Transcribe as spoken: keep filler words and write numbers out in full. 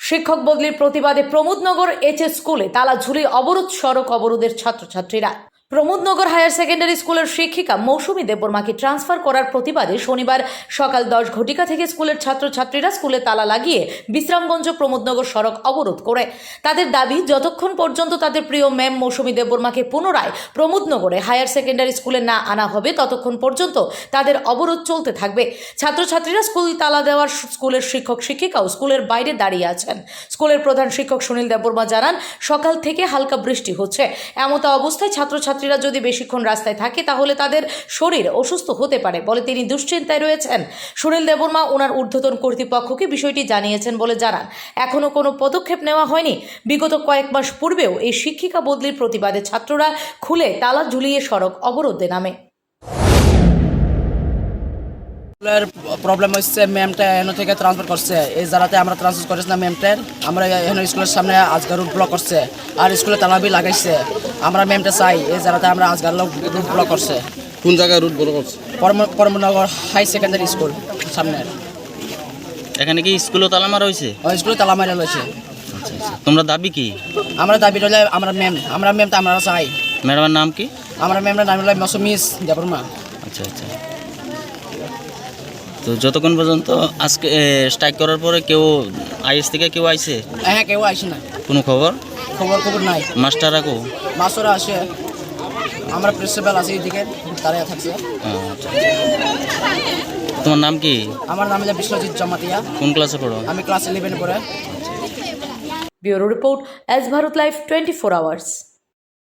শিক্ষক বদলির প্রতিবাদে প্রমোদনগর এইচএস স্কুলে তালা ঝুলিয়ে অবরোধ, সড়ক অবরোধের ছাত্রছাত্রীরা। প্রমোদনগর হায়ার সেকেন্ডারি স্কুলের শিক্ষিকা মৌসুমী দেববর্মাকে ট্রান্সফার করার প্রতিবাদে শনিবার সকাল দশ ঘটিকা থেকে স্কুলের ছাত্রছাত্রীরা স্কুলে তালা লাগিয়ে বিশ্রামগঞ্জ প্রমোদনগর সড়ক অবরোধ করে। তাদের দাবি, যতক্ষণ পর্যন্ত তাদের প্রিয় ম্যাম মৌসুমী দেববর্মাকে পুনরায় প্রমোদনগরে হায়ার সেকেন্ডারি স্কুলে না আনা হবে ততক্ষণ পর্যন্ত তাদের অবরোধ চলতে থাকবে। ছাত্রছাত্রীরা স্কুল তালা দেওয়ার স্কুলের শিক্ষক শিক্ষিকাও স্কুলের বাইরে দাঁড়িয়ে আছেন। স্কুলের প্রধান শিক্ষক সুনীল দেববর্মা জানান, সকাল থেকে হালকা বৃষ্টি হচ্ছে। এমতো অবস্থায় ছাত্রছাত্রী যদি বেশিক্ষণ রাস্তায় থাকে তাহলে তাদের শরীর অসুস্থ হতে পারে বলে তিনি দুশ্চিন্তায় রয়েছেন। সুনীল দেববর্মা ওনার ঊর্ধ্বতন কর্তৃপক্ষকে বিষয়টি জানিয়েছেন বলে জানান, এখনো কোনো পদক্ষেপ নেওয়া হয়নি। বিগত কয়েক মাস পূর্বেও এই শিক্ষিকা বদলির প্রতিবাদে ছাত্ররা খুলে তালা ঝুলিয়ে সড়ক অবরোধে নামে। প্রবলেম হচ্ছে ম্যামটা এখান থেকে ট্রান্সফার করছে, এই জায়গাতে আমরা ট্রান্সফার করেছিলাম ম্যামটার। আমরা এখন স্কুলের সামনে আজকাল রুট ব্লক করছে আর স্কুলে তালাবি লাগাইছে। আমরা ম্যামটা চাই, এই জায়গাতে আমরা আজকাল রুট ব্লক করছে। কোন জায়গায় রুট ব্লক করছে? প্রমোদনগর হাই সেকেন্ডারি স্কুল সামনে। এখানে কি স্কুলও তালা মারা হয়েছে? ওই স্কুলে তালা মারা রয়েছে। আচ্ছা আচ্ছা, তোমরা দাবি কি? আমরা দাবি রইলে আমরা ম্যাম আমরা ম্যামটা আমরা চাই। ম্যাডামের নাম কি? আমরা ম্যামটার নাম হলো মৌসুমী দেববর্মা। আচ্ছা আচ্ছা, তো যতক্ষণ পর্যন্ত আজকে স্ট্রাইক করার পরে কেউ আইএস থেকে কেউ আইছে? হ্যাঁ, কেউ আসে না, কোনো খবর খবর খবর নাই। মাস্টাররা কো? মাস্টাররা আসে, আমরা প্রিন্সিপাল আছি এদিকে দাঁড়িয়ে থাকছে। তোমার নাম কি? আমার নাম হলো বিশ্বজিৎ জমাতিয়া। কোন ক্লাসে পড়ো? আমি ক্লাস ইলেভেন পড়ে। Bureau report, S Bharat live twenty four hours.